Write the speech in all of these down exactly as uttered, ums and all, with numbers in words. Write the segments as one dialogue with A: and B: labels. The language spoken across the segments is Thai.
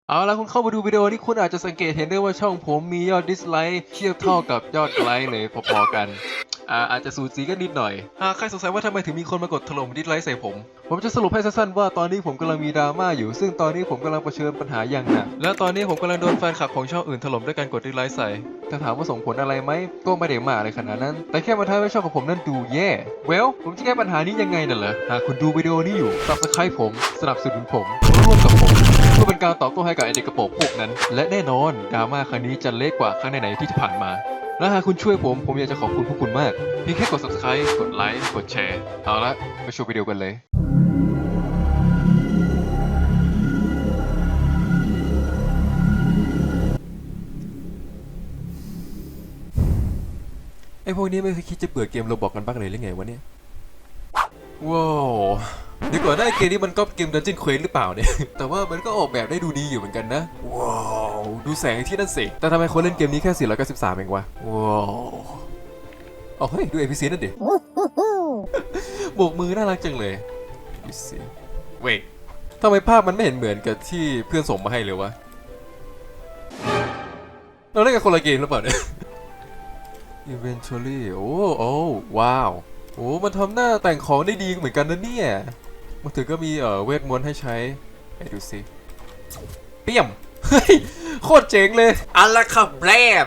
A: เอาละคุณเข้ามาดูวิดีโอนี้คุณอาจจะสังเกตเห็นได้ว่าช่องผมมียอดดิสไลค์เทียบเท่ากับยอดไลค์เลยพอๆกันอ่าอาจจะสูสีกันนิดหน่อยหากใครสงสัยว่าทำไมถึงมีคนมากดถล่มดิสไลค์ใส่ผมผมจะสรุปให้สั้นๆว่าตอนนี้ผมกำลังมีดราม่าอยู่ซึ่งตอนนี้ผมกำลังเผชิญปัญหาอย่างหนักและตอนนี้ผมกำลังโดนแฟนคลับของช่องอื่นถล่มด้วยการกดดิสไลค์ใส่ถ้าถามว่าส่งผลอะไรไหมก็ไม่ได้มากอะไรขนาดนั้นแต่แค่มาทำให้ช่องของผมนั้นดูแย่เวลผมจะแก้ปัญหานี้ยังไงน่ะเหรอหากคุณดูวิดีโอนี้อยู่ Subscribe ผมสนับสนุนผมร่วมกับผมเพื่อเป็นการตอบโต้ให้กับไอเด็กกระโปรงพวกนั้นและแน่นอนดราม่าครั้งนี้จะเล็กกว่าครั้งไหนๆที่ผ่านมาและหากคุณช่วยผมผมอยากจะขอบคุณพวกคุณมากเพียงแค่กด Subscribe กดไลค์กดแชร์เอาละไปชมวิดีโอกันเลยไอพวกนี้ไม่เคยคิดจะเบื่อเกมโรบอกกันบ้างเลยหรือไงวะเนี่ยว้าวเดี๋ยวก่อนนะเกมนี้มันก็เกม Dungeon Quest หรือเปล่าเนี่ย แต่ว่ามันก็ออกแบบได้ดูดีอยู่เหมือนกันนะว้าวดูแสงที่นั่นสิแต่ทำไมคนเล่นเกมนี้แค่สี่ร้อยเก้าสิบสามเองวะว้าวอ๋อเฮ้ยดู เอ พี ซี นั่นดิโบกมือน่ารักจังเลยดูสิเว้ยทำไมภาพมันไม่เห็นเหมือนกับที่เพื่อนส่งมาให้เลยวะเราเล่นกับคนละเกมหรือเปล่าเนี่ย Eventually โอ้โอ้ว้าวโอ้มันทำหน้าแต่งของได้ดีเหมือนกันนะเนี่ยมันถือก็มีเอ่อเวทมนต์ให้ใช้ไปดูสิเปี่ยมเฮ้ยโคตรเจ๋งเลยอัลละครับแรม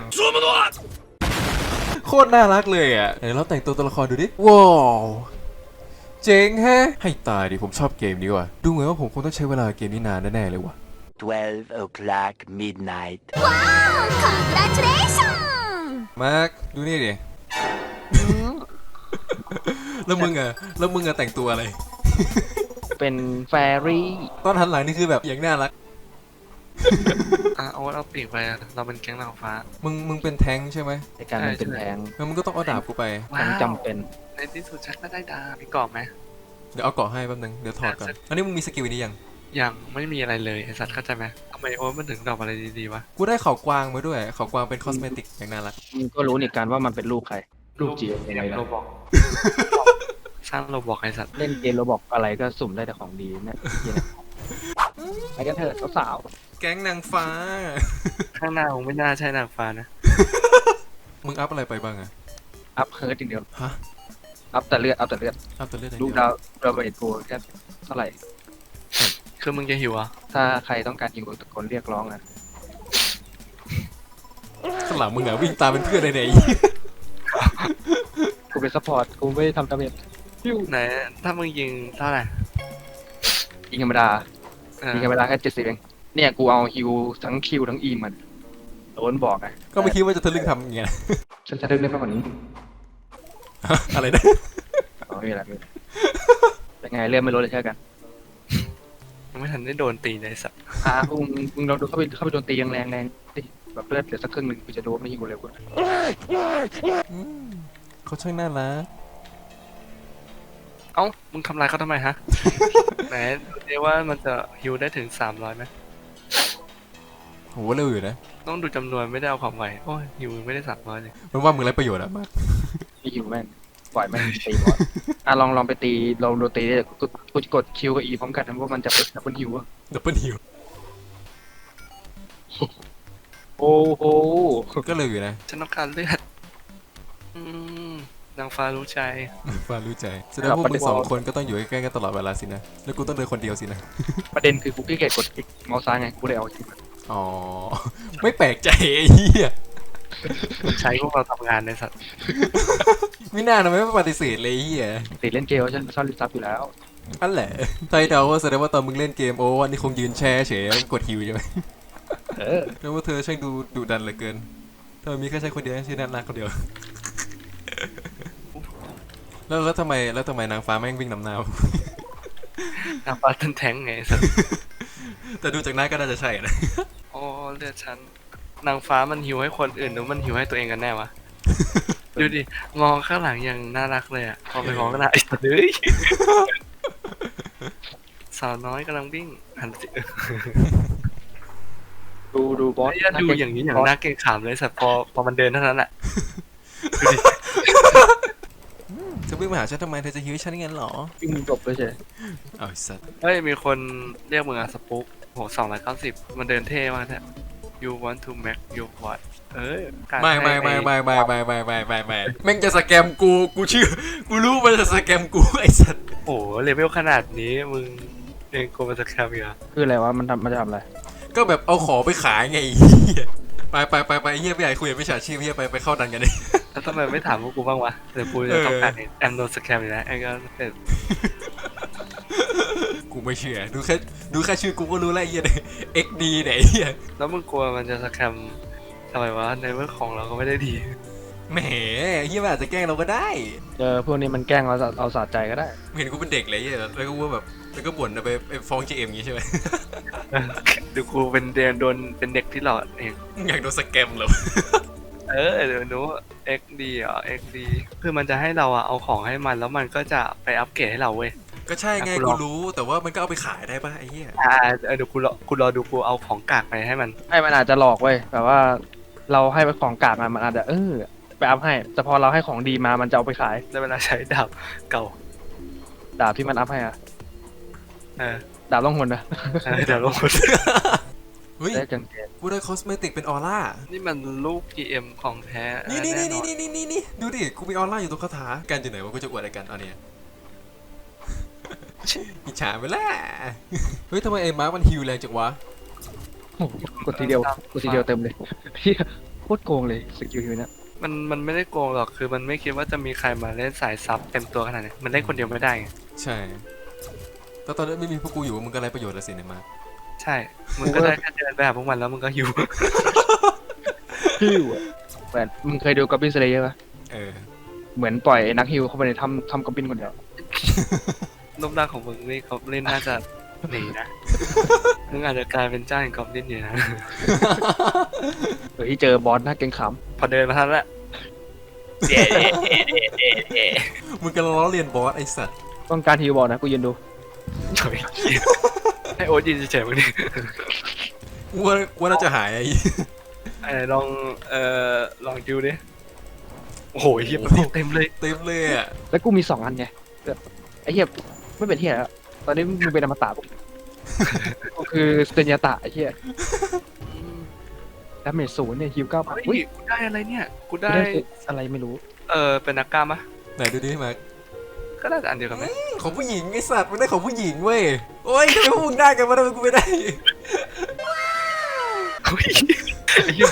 A: โคตรน่ารักเลยอ่ะไหนเราแต่งตัวตัวละครดูดิว้าวเจ๋งแฮะให้ตายดิผมชอบเกมนี้ว่ะดูเหมือนว่าผมคงต้องใช้เวลาเกมนี้นานแน่ๆเลยว่ะ
B: twelve o'clock midnight.
C: Wow! Congratulations!
A: มาร์คดูนี่ดิ แล้วมึงอะแล้วมึงอะแต่งตัวอะไร
D: เป็นแฟรี่
A: ตอนหันหลังนี่คือแบบอย่างน่ารัก
E: อ่ะเอาเอาปีกไปอะเราเป็นแก๊งนางฟ้า
A: มึงมึงเป็นแท้งใช่ไหม
D: ในการมันเป็นแทง
A: แล้วมึงก็ต้องเอาดาบกูไป
D: ทั้งจำเป็น
E: ในที่สุดฉันก็ได้ดาบมีกรอบไหม
A: เดี๋ยวเอาเกาะให้แป๊บนึง เดี๋ยวถอดก่อน อันนี้มึงมีสกิลนี้ยัง
E: ยังไม่มีอะไรเลยไอสัตว์เข้าใจไหมทำไมโอ้มันถึงดอกอะไรดีๆวะ
A: กูได้เขากวางมาด้วย เขากวางเป็นคอสเมติกอย่างน่ารัก
D: มึงก็รู้นี่การว่ามันเป็นลูกใคร ลูกจีเอ็มยังไงล่ะ
E: โรบอกสร้างโรบอกไอสัตว์
D: เล่นเกมเราบอกอะไรก็สุ่มได้แต่ของดีเนี่ยเหี้ยเนี่ยไปกันเถอะสาว
A: แก๊งนางฟ้า
E: ข้างหน้าคงไม่น่าใช่นางฟ้านะ
A: มึงอัพอะไรไปบ้างอะ
D: ๆอัพเฮิร์ตอย่างเดียว
A: ฮะ
D: อัพแต่เลือดอัพแต่เลือด
A: อัพตัวเลือดอะไร
D: ลูก
A: เดียว
D: ดาวเราเบรดกูแค่เท่าไหร่
E: คือมึงจะหิวอ่ะ
D: ถ้าใครต้องการยิงตะโกนเรียกร้องนะ
A: ข้างหลังมึงอะวิ่งตามเป็นเพื่อนเลยเนี่ย
D: กูเป็นซัพพอร์ตกูไม่ทำดาเมจพิ้ว
E: ไหนถ้ามึงยิงเท่าไหร่
D: ยิงธรรมดา
E: เออ
D: ยิงธรรมดาแค่เจ็ดสิบเองเนี่ยกูเอาฮิวทั้งคิวทั้งอีมันโดนบอกไง
A: ก็ไม่คิดว่าจะทะลึ่งทำอย่างเงี้ย
D: ฉันจะเล่นได้มากกว่านี้
A: อะไรนะ
D: อ๋อไม่เป็นไรไม่เป็นไรเป็นไงเลื่อนไม่ลดเลยใช่กัน
E: ยังไม่ทันได้โดนตีเลยไอ้สัตว์
D: อ่ามึงมึงเราดูเข้าไปเข้าไปโดนตีแรงแรงแรงดิแบบเลือดเหลือสักครึ่งหนึ่งกูจะโดนไม่ยิงกูเร็วกว่า
A: อืมเขาช่างน่ารัก
E: เอ้ามึงทำลายเขาทำไมฮะ ไหนดูดิว่ามันจะฮิวได้ถึงสามร้อยไหม
A: โหเร็วอยู่นะ
E: ต้องดูจำนวนไม่ได้เอาความไวโอ้ยฮิวไม่ได้สามร้อยเลย
A: มันว่ามึงไรประโยชน์อะมาก
D: ไม่ยิงแม่งปล่อยแม่งตีบอสอ่ะลองลองไปตีลองโดนตีได้กูกูกดคิวกับอีพร้อมกันนะว่ามันจะเป็นดับเบิลฮิวอะ
A: ดับเบิลฮิว
D: โอ้โห
A: ก็เร็วอยู่นะ
E: ฉันต้องการเลือดอืมนางฟ้ารู้ใจ
A: ฟ้ารู้ใจแสดงว่าพวกมึงสองคนก็ต้องอยู่ใกล้ๆกันตลอดเวลาสินะ แล้วกูต้องเดินคนเดียวสินะ
D: ประเด็นคือกูขี้เกียจกดคลิกเมาส์ซ้ายไงกูเลยเอาคิวมา
A: อ๋อ ไม่แปลกใจไอ้เหี้ย
E: มันใช้พวกเราทำงานในสัตว์
A: ไม่น่านะไม่ปฏิเสธเลยไอ้เหี้ย
D: ติดเล่นเกมฉันชอบลิซับอยู่แล้ว
A: นั่นแหละไทยเดาว่าแสดงว่าตอนมึงเล่นเกมโอ้วันนี้คงยืนแช่เฉยแล้วกดฮิวใช่ไหม
D: เออ
A: แล้วว่าเธอช่างดูดุดันเหลือเกินเธอมีแค่ใช้คนเดียวใช่น่ารักคนเดียว แล้วแล้วทำไมแล้วทำไมนางฟ้าแม่งวิ่งนำหน้า
E: นางฟ้าทันแทงไงไอ้สัตว์
A: แต่ดูจากหน้าก็น่าจะใช่นะ
E: โอ้เลือดฉันนางฟ้ามันหิวให้คนอื่นหรือมันหิวให้ตัวเองกันแน่วะ ดูดิมองข้างหลังอย่างน่ารักเลยอ่ะพอไปมองข้างหน้าไอ้สัตว์เฮ้ย สาวน้อยกำลังวิ่งหันสิ
D: ดูดูบอส
E: ไอ้ดูอย่างนี้อย่างน่าเกรงขามเลยสัตว์พอพอมันเดินเท่านั้นแหละ
A: จะวิ่งมาหาฉันทำไมเธอจะฮิวฉันงั้นเหรอ
D: วิ่งจบเลยใช่
A: เอาไอ้สัตว์
E: เฮ้ยมีคนเรียกมึงอะสปุ๊กโหสองร้อยเก้าสิบมันเดินเท่มากแท้ you want to make your what เอ้ยการ
A: ไม่ไม่ไม่ไม่ไม่ไม่ไม่ไม่ไม่ไม่แม่งจะสแกมกูกูเชื่อกูรู้มันจะสแกมกูไอ้สัส
E: โอ้โหเลเวลขนาดนี้มึงเองกูมาสแคมอีกเหรอ
D: คืออะไรวะมันทำมันจะทำอะไร
A: ก็แบบเอาของไปขายไงไอ้เหี้ยไปไปไปไปเฮียพี่ใหญ่คุยกับพี่ชาชีพเฮียไปไปเข้าดันกันเลย
E: แล้วทำไมไม่ถามพวกกูบ้างวะเดี๋ยวกูจะต้องการแอมโดนสแคมอีกแล้วไอ้ก็เสร็จ
A: กูไม่เชื่อดูแค่ดูแค่ชื่อกูก็รู้แล้วไอ้เฮียเอ็กดีเนี่ยไอ้เฮีย
E: แล้วมึงกลัวมันจะสแคมทำไมวะในเมื่อของเราก็ไม่ได้ดี
A: แหมเฮียมันอาจจะแกล้งเราก็ได้
D: เจอพวกนี้มันแกล้งเราเอาสะใจก็ได้
A: เห็นกูเป็นเด็กเลยเฮียแล้วก็ว่าแบบแล้วก็บ่นไปไปฟ้องเจเอ็มอย่างงี้ใช่ไหม
E: ดูกูเป็นเดนโดนเป็นเด็กที่หลอดเอง
A: อยากโดนสแกมเหรอ
E: เออเดี๋ยวนู้ เอ็ก ดี อ่ะ เอ็ก ดี คือมันจะให้เราอะเอาของให้มันแล้วมันก็จะไปอัปเกรดให้เราเว้ย
A: ก็ใช่ไง
E: อ่ะกูล
A: กู
E: อง
A: รู้แต่ว่ามันก็เอาไปขายได้ป่ะไอ้เหี้ย
E: อ่าเออเดี๋ยวกูรอกูรอดูกูเอาของกากไปให้มัน
D: ไอ้มันอาจจะหลอกเว้ยแบบว่าเราให้ไปของกากมามันอาจจะเออไปอัพให้แต่พอเราให้ของดีมามันจะเอาไปขาย
E: ได้เวลาใช้ดาบเก่า
D: ดาบที่มันอัพให้อะ
E: เออ
D: ดาบล่องหนนะ
E: เออเดี๋ยวลง
A: เฮ้ย
D: ได้จังเกต
A: กูได้คอสเมติกเป็นออร่า
E: นี่มันลูก จี เอ็ม ของแท้
A: นี่นี่
E: แ
A: นี่นี่นี่นี่นี่ดูดิกูมีออร่าอยู่ตรงคาถากันอยู่ไหนวะกูจะอวดอะไรกันเอาเนี่ย อิจฉาไปแล้วเฮ้ยทำไมไอ้มาร์คมันฮิวแรงจังวะ
D: โอ้โหกดทีเดียวกดทีเดียวเต็มเลยพี่โคตรโกงเลยสกิลฮิวเนี่ย
E: มันมันไม่ได้โกงหรอกคือมันไม่คิดว่าจะมีใครมาเล่นสายซับเต็มตัวขนาดนี้มันเล่นคนเดียวไม่ได้ไง
A: ใช่แต่ตอนนั้นไม่มีพวกกูอยู่มึงก็ไรประโยชน์ละสิเนี่ยมาร์ค
E: ใช่มึงก็ได้แค่เดินไปหาพวกมันแล้วมึงก็หิว
D: ฮิวอะแหวนมึงเคยดูกับบินสเลเยอร์ปะ
A: เออ
D: เหมือนปล่อยไอ้นักฮิวเข้าไปในถ้ำถ้ำกับบินคนเดียว
E: รูปร่างของมึงนี่เขาเล่นน่าจะหนีนะมึงอาจจะกลายเป็นเจ้าแห่งกอบลินอยู่นะ
D: เฮ้ยเจอบอสน่าเกรงขาม
E: พอเดินมาทันละเย้เย้เย้เย้เย้
A: มึงกำลังล้อเลียนบอสไอ้สัตว์
D: ต้องการฮิวบอลนะกูยืนดู
E: เฉยให้โอ๊ตยืนเฉยๆมึงดิ
A: กูว่ากูว่าน่าจะหายไอ้
E: ไอ้ลองเอ่อลองดูดิโอ้โหเฮียเต็มเลย
A: เต็มเลยอ่ะ
D: แล้วกูมีสองอันไงแบบไอ้เหี้ยไม่เป็นเหี้ยแล้วตอนนี้มึงเป็นอมตะปุ๊บกูคือสเตนยาตะไอ้เหี้ยดาเมจศูนย์เนี่ยฮิวเก้าพัน
E: เฮ้
D: อุ้
E: ย
D: ย
E: กูได้อะไรเนี่ยกู
D: กู
E: ได้
D: ได้อะไรไม่รู้
E: เออเป็นนักกล้ามะ
A: ไหนดูดิมาร์ค
E: ก็น่าจะอันเดียวกันไหม
A: ของผู้หญิงไอ้สัตว์มันได้ของผู้หญิงเว้ยโอ้ยทำไมพวกมึงได้กันวะทำไมกูไม่ได้
E: เฮ้ยไอ้เหี้ย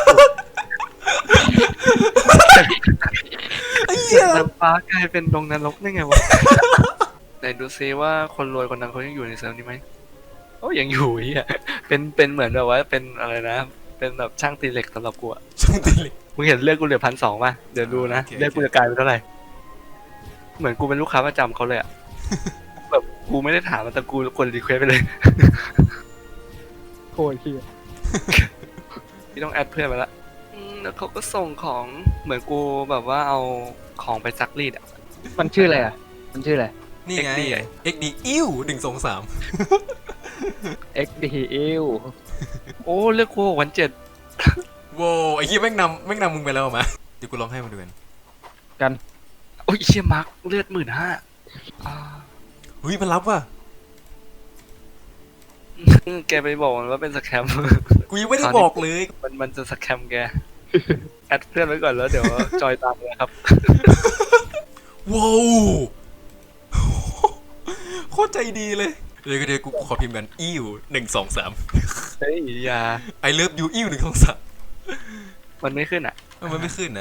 A: ไอ้เหี้ย
E: น้ำฟ้ากลายเป็นดงนรกได้ไงวะไหนดูซิว่าคนรวยคนนั้นเขายังอยู่ในเซิร์ฟนี้ไหมโอ้ยังอยู่เฮียเป็นเป็นเหมือนแบบว่าเป็นอะไรนะเป็นแบบช่างตีเหล็กสำหรับกูอะ
A: ช่างตีเหล็ก
E: มึงเห็นเลือกกูเหลือพันสองป่ะเดี๋ยวดูนะ
A: โอเค
E: เลือกกูจะกลายเป็นเท่าไหร่เหมือนกูเป็นลูกค้าประจำเขาเลยอะแบบกูไม่ได้ถามมันแต่กูกดรีเควสไปเลย
D: โคตรเหี้ย
E: พี่ต้องแอดเพื่อนไปละอืมแล้วเขาก็ส่งของเหมือนกูแบบว่าเอาของไปซักรีดอะ
D: มันชื่ออะไรอ่ะมันชื่ออะไร
A: นี่ไง
E: เอ็กซ์ดี
A: เอ็กดีอิ้วหนึ่งสองสาม
D: เอ็กดีเอล
E: โอ้เลือกกูวันเจ็ด
A: โว้ไอ้เหี้ยแม่งนำแม่งนำมึงไปแล้วมาเดี๋ยวกูลองให้มันดูกัน
D: กัน
E: โอ้ยเชี่ยมาร์คเลือดหมื่นห้า
A: เฮ้ยมันรับว่ะ
E: แกไปบอกมันว่าเป็นสแคม
A: กูยังไม่ได้บอกเลย
E: มันมันจะสแคมแก แอดเพื่อนไว้ก่อนแล้วเดี๋ยวจอยตามเลยครับ
A: ว้าวโคตรใจดีเลยเดี๋ยวเดี๋ยวกูขอพิมพ์กันอิ้วหนึ่งสองสาม
E: เฮ้ยอย่า
A: ไอเลิฟยูอิ้วหนึ่งสองสาม
E: มันไม่ขึ้นอ่ะ
A: มันไม่ขึ้นนะ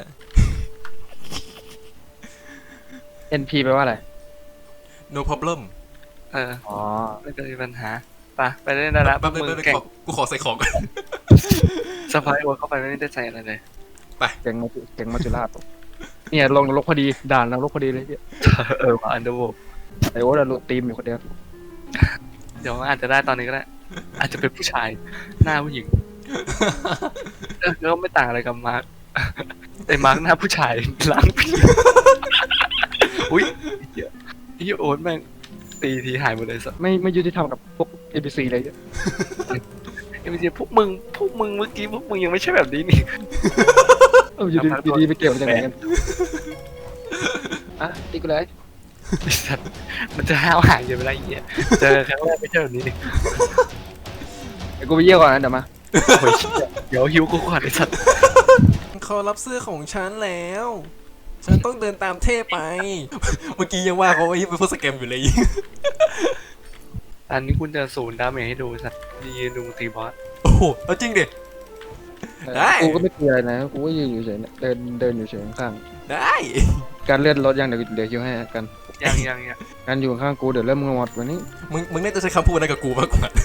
D: เอ็นพีแปลว่าอะไร
A: no problem
E: เออ
D: อ๋อ
E: ไม่เป็นปัญหาไปไปเล่นได้ละพว
A: แป๊บ
E: ก
A: นึง
E: มึ
A: แป๊บ
E: ง
A: นึง
E: เก่ง
A: ขอกูขอใส่ของก่อน
E: สปายโอเข้าไปไม่ได้ใจอะไรเลย
D: เก่งมาจุเก่งมาจุฬาปุ๊บเนี่ยลงนรกพอดีด่านนรกพอดีเลยเหี้ย
E: เออมาอันเดอร์โว
D: ไอ้โอ๊ตอะลุตีมอยู่คนเดียว
E: เดี๋ยวอาจจะได้ตอนนี้ก็ได้ อาจจะเป็นผู้ชาย หน้าผู้หญิงเออแล้วไม่ต่างอะไรกับมาร์คแต่มาร์คหน้าผู้ชายล้างผีอุ้ยเหี้ยไอ้เหี้ยโอ๊ตแม่งตีทีหายหมดเลยสัส
D: ไม่ไม่ยุติธรรมกับพวกเอ พี ซีเลยเหี้ย
E: ไอ้เหี้ยพวกมึงพวกมึงเมื่อกี้พวกมึงยังไม่ใช่แบบนี้นี่
D: เอออยู่ดีอยู่ดีไปเกี่ยวกันยังไงกันอ่ะตีกูเลย
E: ไอ้สัสมันจะห้าวหางอยู่ไม่ได้ไอ้เหี้ยเจอครั้งแรกไม่ใช่แบบนี้นี่
D: เดี๋ยวกูไปเยี่ยวก่อนนะเดี๋ยวมา
E: โอ้ยเดี๋ยวหิวกูก่อนไอ้สัตว์
A: เขารับเสื้อของฉันแล้ว ฉันต้องเดินตามเท่ไป เมื่อกี้ยังว่าเขาไอ้เป็นพวกสแกมอยู่เลย
E: อันนี้คุณจะศูนย์ดาเมจให้ดูสัตว์ยืนดูตีบอส
A: โอ้โหเอาจริงดิ ได้
D: กูก็ไม่เตือนนะกูก็ยืนอยู่เฉยเนี่ยเดินเดินอยู่เฉยข้าง
A: ได้
D: ๆการเลื่อนรถยังเดี๋ยวเดี๋ยวคิวให้กัน
E: ยังยังยัง
D: การอยู่ข้างกูเดี๋ยวเริ่มงอดวันนี้
A: มึงมึงน่าจะใช้คำพูดนั้นกับกูมากกว่า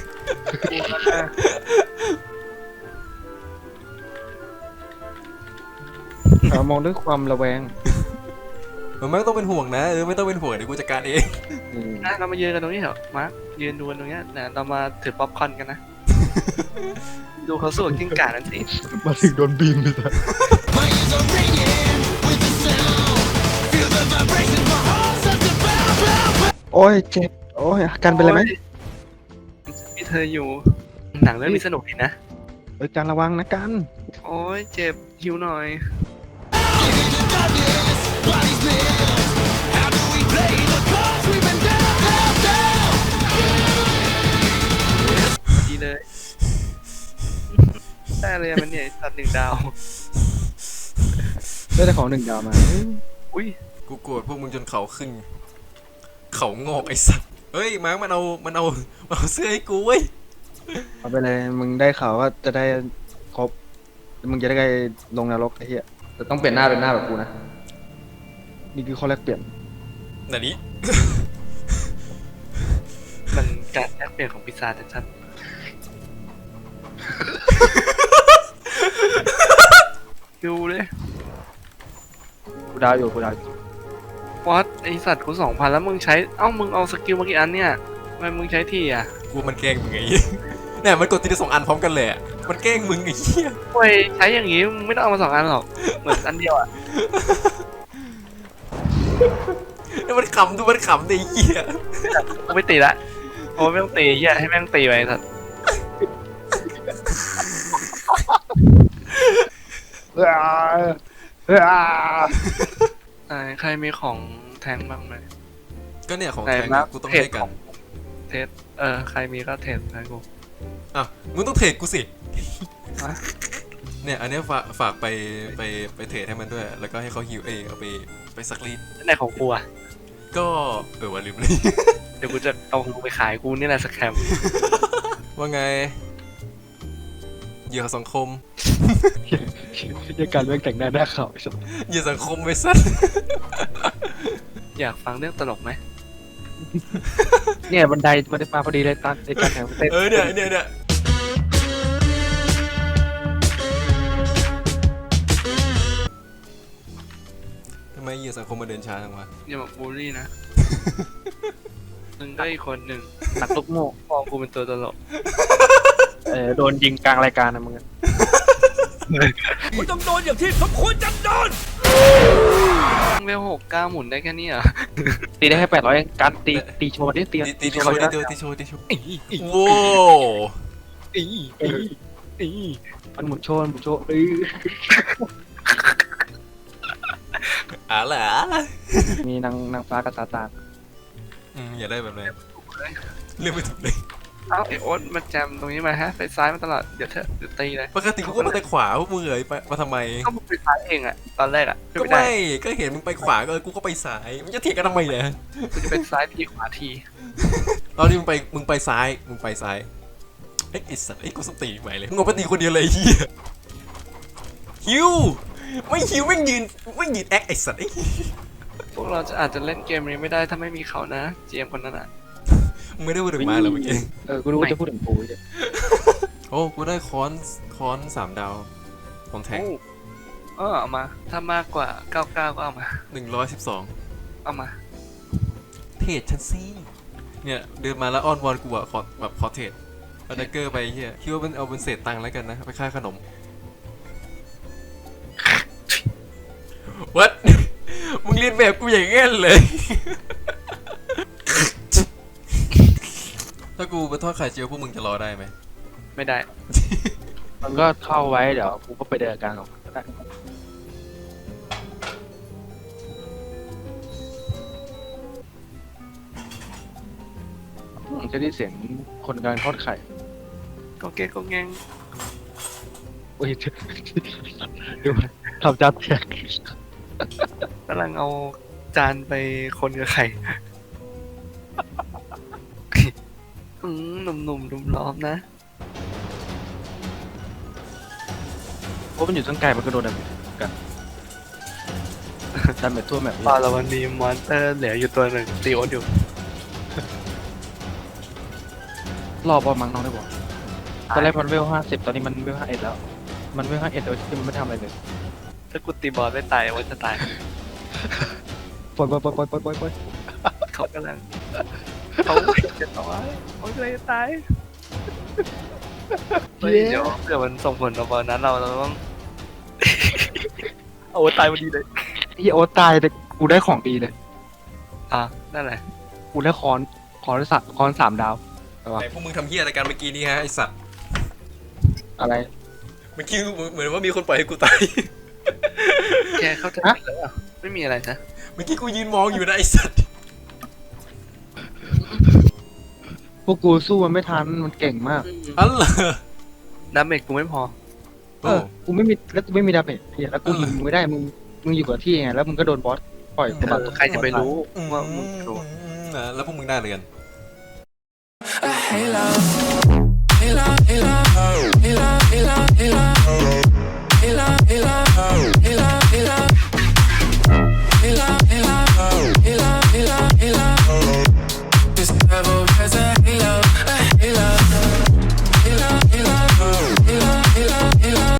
D: เรามองด้วยความระแวง
A: มึงไม่ต้องเป็นห่วงนะเออไม่ต้องเป็นห่วงเดี๋ยวกูจัดการเอง
D: อืม
E: นะเรามายืนกันตรงนี้เหรอมาร์คยืนดูกันตรงเนี้ยนะเรามาถือป๊อปคอร์นกันนะ ดูเขาสู้กับกิ้งก่านั่นสิ
D: มาถึงโดนบีมเลยจ้ะโอ้ยเจ็บโอ้ยกันเป็นไรไหม
E: มีเธออยู่ หนังเรื่องนี้สนุกดีนะ
D: เอ้ยการระวังนะกัน
E: โอ้ยเจ็บหิวหน่อย ดีเลย ได้เลยอะมันเนี่ยตัดหนึ่งดาว
D: ได้แต่ของหนึ่งดาวมา
E: อุ้ย
A: กูโกรธพวกมึงจนเขาขึ้น เขางอกไอ้สัตว์เฮ้ยมาร์คมันเอามันเอามันเอาเสื้อให้กูเว้ย
D: เอาไปเลยมึงได้ข่าวว่าจะได้ครบมึงจะได้ลงนรกไอ้เหี้ยแต่ต้องเปลี่ยนหน้าเป็นหน้าแบบกูนะนี่คือข้อแรกเปลี่ยน
A: นันนี้
E: มันการแลกเปลี่ยนของพิซซ่าชัดๆดูเลย
D: กูดาวอยู่กูดาวอยู่
E: วัดไอสัตว์กูสองพันแล้วมึงใช้ เอ้ามึงเอาสกิลมากี่อันเนี่ยทำไมมึงใช้ทีอ่ะ
A: กูมันแกล้งมึงไง เนี่ยมันกดทีละสองอันพร้อมกันเลยอะมันแกล้งมึงไอ้เหี้ย
E: โอ้ยใช้อย่างงี้มึงไม่ต้องเอามาสองอันหรอก เหมือนอันเดียวอ่ะ
A: แล้วมันขำดูมันขำดิไอ้เหี้ย
E: กูไม่ตีละโอ้ไม่ต้องตีเฮียให้แม่งตีไปสัตว์
D: เอ้ยเอ้ย
E: ไหนใครมีของแทงบ้างไหม
A: ก็เนี่ยของ
E: ไหน
A: แทง
E: มา
A: กูต้อง
E: เทรด
A: ให้กั
E: ขอน งเทสเออใครมีก็เทสให้กู
A: อ่ะมึงต้องเทรดกูสิ
E: ฮะ
A: เนี่ยอันเนี้ยฝากฝากไปไปไปเทรดให้มันด้วย แล้วก็ให้เขาฮิวเองเอาไปไปซักรีด
E: ไหนของกูอ่ะ
A: ก็เออว่าลืมเลย
E: เดี๋ยวกูจะเอาของกูไปขายกูนี่แหละสแคม
A: ว่าไงเหยื่อสังคม
D: ยังการเรื่องแต่งหน้าหน้าขาวไอ้สัส
A: เหยื่อสังคมไปสัต
E: อยากฟังเรื่องตลกไหม
D: เนี่ยบันไดบันไดมาพอดีเลยตอนในการแข่งเต้น
A: เออเนี่ยเนี่ยเนี่ยทำไมเหยื่อสังคมมาเดินช้าจังวะ
E: อย่ามาบูลลี่นะ มึงก็อีกคนหนึ่งนักลุกโม่มองกูเป็นตัวตลก
D: เออโดนยิงกลางรายการนะมึงอะ
E: มึงต้องโดนอย่างที่สมควรจะโดนเวลหกเก้าหมุนได้แค่นี้เหรอ
D: ตีได้แค่แปดร้อยการตีตีโชว์ดิตี
A: ตีตีตี
D: โช
A: โช
D: ว์
A: ว์
D: เขา
A: ตี
D: ได้
A: โชว์ตีโชว์ตีโชว์
E: อีอี
A: โว้
E: อีอีอี
D: มันหมุนโชว์มันหมุนโชว์เอ้ย
A: อะไรอะ
D: มีนางนางฟ้ากับซาตาน
A: อืมอย่าได้แบบนั้นเรื่องไม่ถูกเลย
E: เอ้าไอโอ๊ตมาแจมตรงนี้มาฮะไปซ้ายมาตลอดเดี๋ยวเธอเดี๋ยวตีเลย
A: ปกติกูก็มาแต่ขวาพวกมึงเอ๋ยไปมาทำไม
E: ก็มึงไปซ้ายเองอะตอนแรกอะ
A: ก็
E: ไม่ได้
A: ไม่ก็เห็นมึงไปขวาก็เออกูก็ไปซ้ายมันจะเถียงกันทำไมเนี่ย
E: กูจะเป็นซ้ายทีขวาที
A: ตอนนี้มึงไปมึงไปซ้ายมึงไปซ้ายเอ้ยไอ้สัตว์ไอ้ยกูสติใหม่เลยมึงเอาไปตีคนเดียวเลยไอ้เฮียฮิวไม่ฮิวไม่ยืนไม่ยืนแอคไอ้สัตว์ไอ้
E: พวกเราจะอาจจะเล่นเกมนี้ไม่ได้ถ้าไม่มีเขานะเจมคนนั้นอะ
A: มึงไม่ได้พูดถึงมาเหรอเมื่อกี้
D: เออกูรู้ว่าจะพูดถึงกูใช่
A: โอ้กูได้ค้อนค้อนสามดาวของแท็ก
E: โอ้เออเอามา ถ้ามากกว่าเก้าเก้าก็เอามา
A: หนึ่งร้อยสิบสอง
E: เอามา
A: เทรดฉันสิเนี่ยเดินมาแล้วอ้อนวอนกูอะขอแบบขอเทรดเอาดักเกอร์ไปเฮียคิดว่ามันเอาเป็นเศษตังค์แล้วกันนะไปค่าขนม วัด มึงเรียนแบบกูอย่างงั้นเลย ถ้ากูไปทอดไข่เจียวพวกมึงจะรอได้ไหม
E: ไม่ได้
D: มันก็เข้าไว้เดี๋ยวกูก็ไปเดินกลางของมันก็ได้อืมจะได้เสียงคนกำลังทอดไข่
E: ก็เก๊กก็แงง
D: โอ้ยดูทำจานแตก
E: กำลังเอาจานไปคนกับไข่ อืมหนุ่มๆนุ่มดุมล้อมนะ
D: เพราะมันอยู่ตั้งไกลมันก็โดนดันกันดันแบบทั่วแบบ
E: พอเราวันนี้มอนเตอร์เหลืออยู่ตัวหนึ่งตีโอตอยู่
D: รอบอลมังน้องได้บอกตอนแรกมันเวลห้าสิบตอนนี้มันเวลห้าเอ็ดแล้ว มันเวลห้าเอ็ดโดยที่มันไม่ทำอะไรเลย
E: ถ้ากูตีบอลไม่ตายว่าจะตาย
D: ปล่อยปล่อยปล่อยปล่อยปล่อยปล่อยปล่อย
E: เขากำลังเขาจะตายเขาเลยตายเฮ้ยเดี๋ยวเผื่อมันส่งผลต่อบอลนั้นเราเราต้อง เอาตายพอดีเลย
D: เฮียโอ๊ตตายแต่กูได้ของดีเลย
E: อ่ะนั่นแหละ
D: กูได้คอนคอนสัตคอนสามดาว
A: ไหนพวกมึงทำเหี้ยอะไรกันเมื่อกี้นี้ฮะไอสัตว์
D: อะไร
A: เมื่อกี้เหมือนว่ามีคนปล่อยให้กูตาย
E: แกเข้าใจผิดแล้วเหรอไม่มีอะไรนะ
A: เมื่อกี้กูยืนมองอยู่นะไอสัตว์
D: พวกกูสู้มันไม่ทันมันเก่งมาก
A: อันเหรอ
E: ดาเมจกูไม่พอ
D: เออกูไม่มีแล้วกูไม่มีดาเมจเฮียแล้วกูยิงมึงไม่ได้มึงมึงอยู่กับที่ไงแล้วมึงก็โดนบอสปล่อยกูมา
E: ใครจะไปรู้ว่ามึงโดน
A: อ่าแล้วพวกมึงได้เลยกัน
F: Hey love, hey love, hey love, hey love, hey love.